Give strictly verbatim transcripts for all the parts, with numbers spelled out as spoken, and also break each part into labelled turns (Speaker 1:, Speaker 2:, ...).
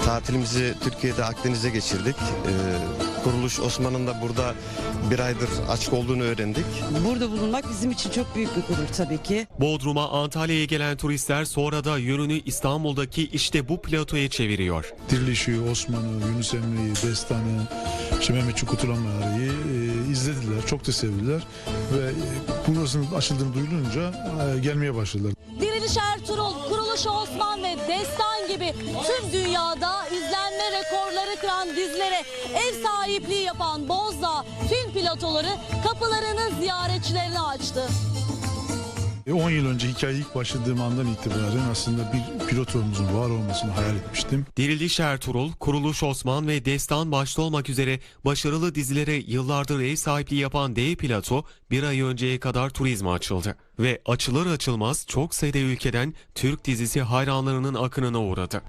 Speaker 1: Tatilimizi Türkiye'de Akdeniz'e geçirdik. Ee, kuruluş Osman'ın da burada bir aydır açık olduğunu öğrendik.
Speaker 2: Burada bulunmak bizim için çok büyük bir gurur tabii ki.
Speaker 3: Bodrum'a, Antalya'ya gelen turistler sonra da yönünü İstanbul'daki işte bu platoya çeviriyor.
Speaker 4: Dirilişi, Osman'ı, Yunus Emre'yi, Destan'ı, işte Mehmetçik Kurtulamayar'ı e, izlediler, çok da sevdiler ve e, burasının açıldığını duyulunca e, gelmeye başladılar.
Speaker 5: Diriliş Ertuğrul, Kuruluş Osman ve Destan gibi tüm dünyada izlenme rekorları kıran dizilere ev sahipliği yapan Bozdağ film platoları kapılarını ziyaretçilerine açtı.
Speaker 4: on yıl önce hikaye ilk başladığım andan itibaren aslında bir pilotumuzun var olmasını hayal etmiştim.
Speaker 3: Diriliş Ertuğrul, Kuruluş Osman ve Destan başta olmak üzere başarılı dizilere yıllardır ev sahipliği yapan dev plato bir ay önceye kadar turizme açıldı. Ve açılır açılmaz çok sayıda ülkeden Türk dizisi hayranlarının akınına uğradı.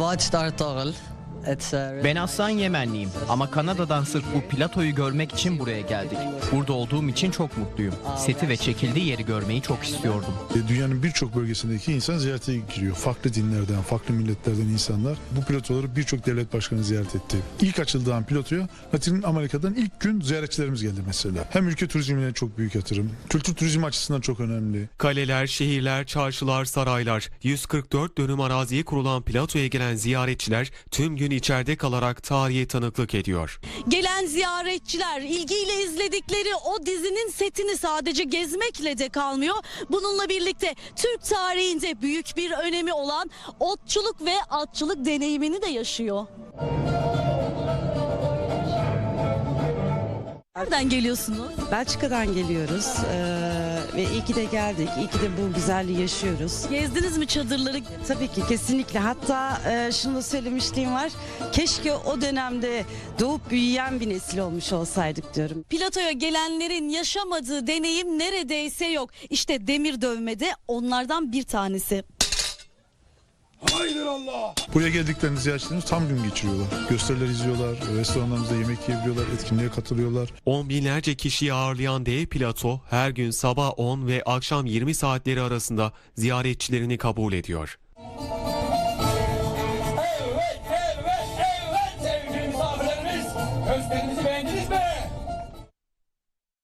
Speaker 6: Ben aslan Yemenliyim ama Kanada'dan sırf bu platoyu görmek için buraya geldik. Burada olduğum için çok mutluyum. Seti ve çekildiği yeri görmeyi çok istiyordum.
Speaker 4: Dünyanın birçok bölgesindeki insan ziyarete giriyor. Farklı dinlerden, farklı milletlerden insanlar bu platoları birçok devlet başkanı ziyaret etti. İlk açıldığı an platoya Latin Amerika'dan ilk gün ziyaretçilerimiz geldi mesela. Hem ülke turizmine çok büyük yatırım, kültür turizmi açısından çok önemli.
Speaker 3: Kaleler, şehirler, çarşılar, saraylar, yüz kırk dört dönüm araziye kurulan platoya gelen ziyaretçiler tüm gün içeride kalarak tarihe tanıklık ediyor.
Speaker 5: Gelen ziyaretçiler ilgiyle izledikleri o dizinin setini sadece gezmekle de kalmıyor. Bununla birlikte Türk tarihinde büyük bir önemi olan otçuluk ve atçılık deneyimini de yaşıyor. Nereden geliyorsunuz?
Speaker 2: Belçika'dan geliyoruz ee, ve iyi ki de geldik. İyi ki de bu güzelliği yaşıyoruz.
Speaker 5: Gezdiniz mi çadırları?
Speaker 2: Tabii ki kesinlikle. Hatta e, şunu da söylemişliğim var. Keşke o dönemde doğup büyüyen bir nesil olmuş olsaydık diyorum.
Speaker 5: Platoya gelenlerin yaşamadığı deneyim neredeyse yok. İşte demir dövme de onlardan bir tanesi.
Speaker 4: Buraya geldiklerinde ziyaretçilerimiz tam gün geçiriyorlar. Gösteriler izliyorlar, restoranlarımızda yemek yiyebiliyorlar, etkinliğe katılıyorlar.
Speaker 3: On binlerce kişiyi ağırlayan dev plato her gün sabah on ve akşam yirmi saatleri arasında ziyaretçilerini kabul ediyor.